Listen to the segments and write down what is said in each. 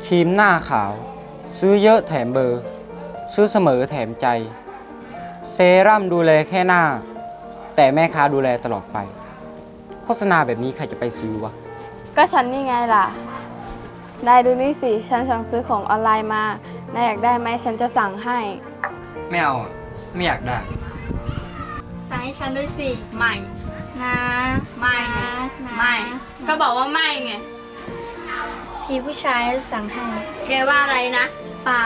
ครีมหน้าขาว ซื้อเยอะแถมเบอร์ ซื้อเสมอแถมใจ เซรั่มดูแลแค่หน้า แต่แม่ค้าดูแลตลอดไป โฆษณาแบบนี้ใครจะไปซื้อวะก็ฉันนี่ไงล่ะ ได้ดูนี่สิ ฉันสั่งซื้อของออนไลน์มานายอยากได้ไหมฉันจะสั่งให้ไม่เอาอะไม่อยากได้สั่งให้ฉันด้วยสิไม่นะไม่ไงไม่ ก็บอกว่าไม่ไงทีผู้ชายสั่งให้แกว่าอะไรนะเปล่า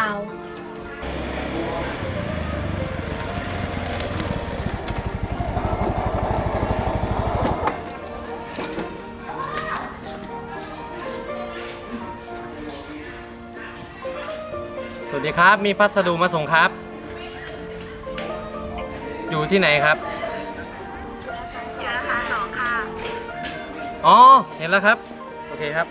สวัสดีครับ มีพัสดุมาส่งครับ อยู่ที่ไหนครับสาขา2ค่ะ อ๋อ เห็นแล้วครับ โอเคครับ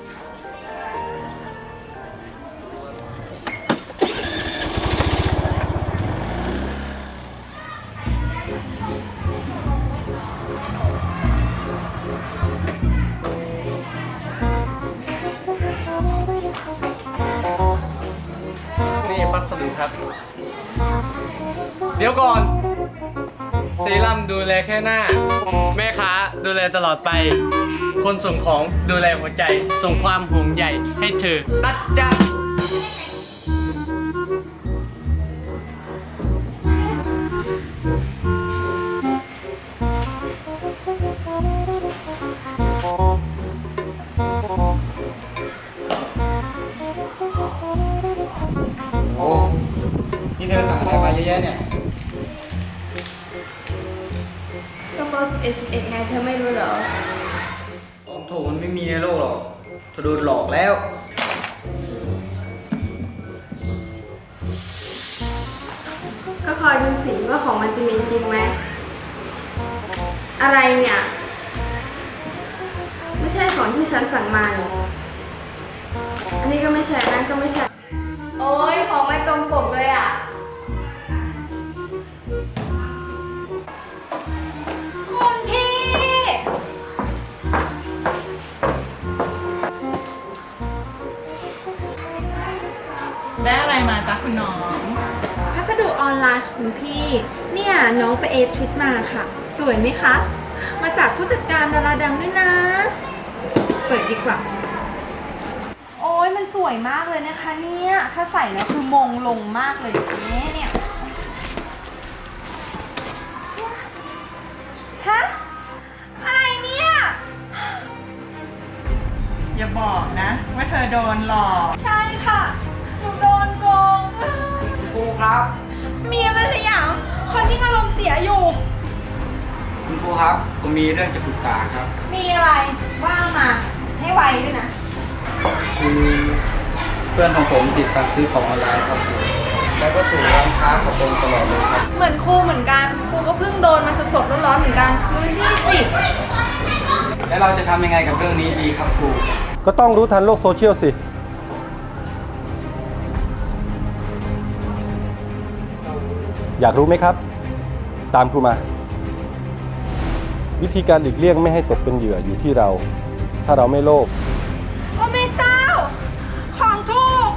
นี่พัสดุครับ เดี๋ยวก่อน เซรั่มดูแลแค่หน้า แม่ค้าดูแลตลอดไป คนส่งของดูแลหัวใจ ส่งความห่วงใยให้เธอ ตัดจ้าโอ้ นี่เธอสั่งอะไรมาเยอะแยะเนี่ยก็โพส11ไงเธอไม่รู้เหรอของถูกมันไม่มีในโลกหรอกเธอโดนหลอกแล้วก็คอยดูสิว่าของมันจะมีจริงไหม อะไรเนี่ย ไม่ใช่ของที่ฉันสั่งมานี่อันนี้ก็ไม่ใช่นั่นก็ไม่ใช่ โอ้ยของไม่ตรงปกเลยอ่ะคุณพี่ได้อะไรมาจ๊ะคุณน้องพัสดุออนไลน์ค่ะคุณพี่ เนี่ยน้องไปเอฟชุดมาค่ะ สวยไหมคะ มาจากผู้จัดการดาราดังด้วยนะ เปิดดีกว่า โอ้ยมันสวยมากเลยนะคะเนี่ย ถ้าใส่แล้วคือมงลงมากเลยเนี่ยฮะ อะไรเนี่ยอย่าบอกนะ ว่าเธอโดนหลอกใช่ค่ะ หนูโดนโกงครูครับมีอะไรหรือยังคนที่อารมณ์เสียอยู่คุณครูครับ ผมมีเรื่องจะปรึกษาครับมีอะไรว่ามาให้ไวด้วยนะคือเพื่อนของผมติดสั่งซื้อของออนไลน์ครับแล้วก็ถูกร้านค้าของผมตลอดเลยครับเหมือนครูเหมือนกัน ครูก็เพิ่งโดนมาสดๆร้อนๆเหมือนกันดูนี่สิแล้วเราจะทำยังไงกับเรื่องนี้ดีครับครูก็ต้องรู้ทันโลกโซเชียลสิ อยากรู้ไหมครับ ตามครูมา วิธีการหลีกเลี่ยงไม่ให้ตกเป็นเหยื่ออยู่ที่เรา ถ้าเราไม่โลภโอ้แม่เจ้า ของถูก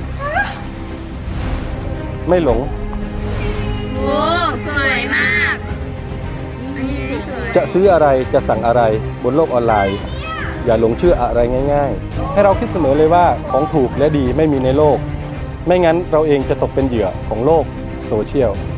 ไม่หลงโอ้สวยมากจะซื้ออะไรจะสั่งอะไรบนโลกออนไลน์ อย่าหลงเชื่ออะไรง่ายๆ ให้เราคิดเสมอเลยว่าของถูกและดีไม่มีในโลก ไม่งั้นเราเองจะตกเป็นเหยื่อของโลกโซเชียล